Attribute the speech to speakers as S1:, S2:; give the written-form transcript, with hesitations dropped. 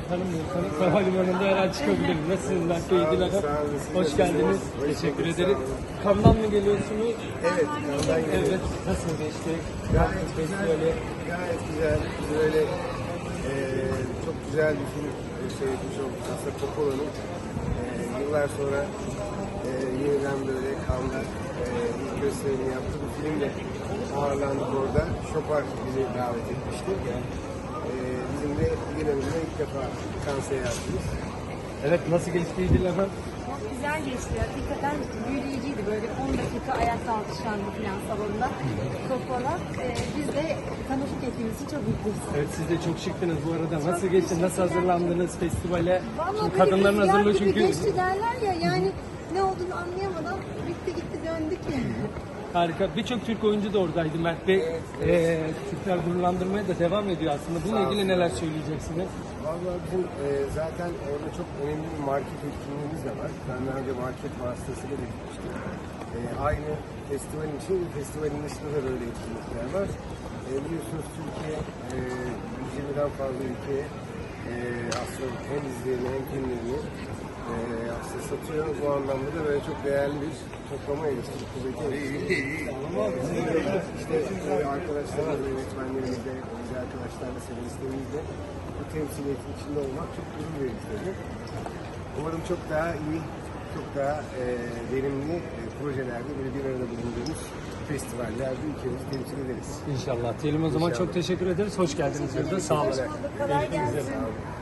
S1: tanımıyorsanız havalimanında her an çıkabilirim. Nasılsınız Mert Bey? İyiler. Hoş geldiniz. Teşekkür ederim. Kamdan mı geliyorsunuz?
S2: Evet, Kandan geliyoruz.
S1: Evet. Nasıl geçti?
S2: Gayet
S1: Festivali.
S2: Gayet güzel. Böyle çok güzel bir film seyretmiş olduk. Aslında Coppola'nın yıllar sonra yeniden böyle Cannes'da ilk gösterimini yaptığı bir filmle ağırlandık orada. Chopin bizi davet etmişti. Bizim de Dilan'ımızla ilk defa Cannes seyahatimiz.
S1: Evet, nasıl geçti İdil Hanım?
S3: Çok güzel geçti. Hakikaten büyüleyiciydi. Böyle 10 dakika ayakta alkışlandı falan salonda. Coppola. Biz de tanışık ettiğimiz için çok mutluyuz.
S1: Evet, siz de çok şıktınız bu arada. Nasıl geçti? Nasıl hazırlandınız festivale?
S3: Vallahi
S1: Şimdi
S3: böyle
S1: kadınların
S3: rüzgar
S1: hazırlığı
S3: gibi
S1: çünkü...
S3: geçti derler ya, yani ne olduğunu anlayamadan bitti gitti döndük.
S1: Harika. Birçok Türk oyuncu da oradaydı Mert Bey. Türkler gururlandırmaya da devam ediyor aslında. Bununla ilgili neler söyleyeceksiniz?
S2: Vallahi bizim zaten orada çok önemli bir market etkinliğimiz de var. Ben daha önce market vasıtasıyla da gitmiştim. Aynı festivalin için, festivalin dışında da böyle etkinlikler var. Biliyorsunuz Türkiye 120'den fazla ülkeye aslında hem izlerini hem filmlerini aslında satıyor. Bu anlamda da böyle çok değerli bir toplama eleştiri kuvveti. İşte arkadaşlarımızla, yönetmenlerimizle, oyuncu arkadaşlarla, senaristlerimizle bu temsiliyetin içinde olmak çok gurur verici tabii. Umarım çok daha iyi, çok daha verimli projelerde böyle bir arada bulunduğumuz festivallerde ülkemizi temsil ederiz.
S1: İnşallah. Diyelim o zaman,
S2: İnşallah.
S1: çok teşekkür ederiz. Hoş geldiniz. Sağ olun.
S3: Kolay gelsin.
S2: Sağ olun.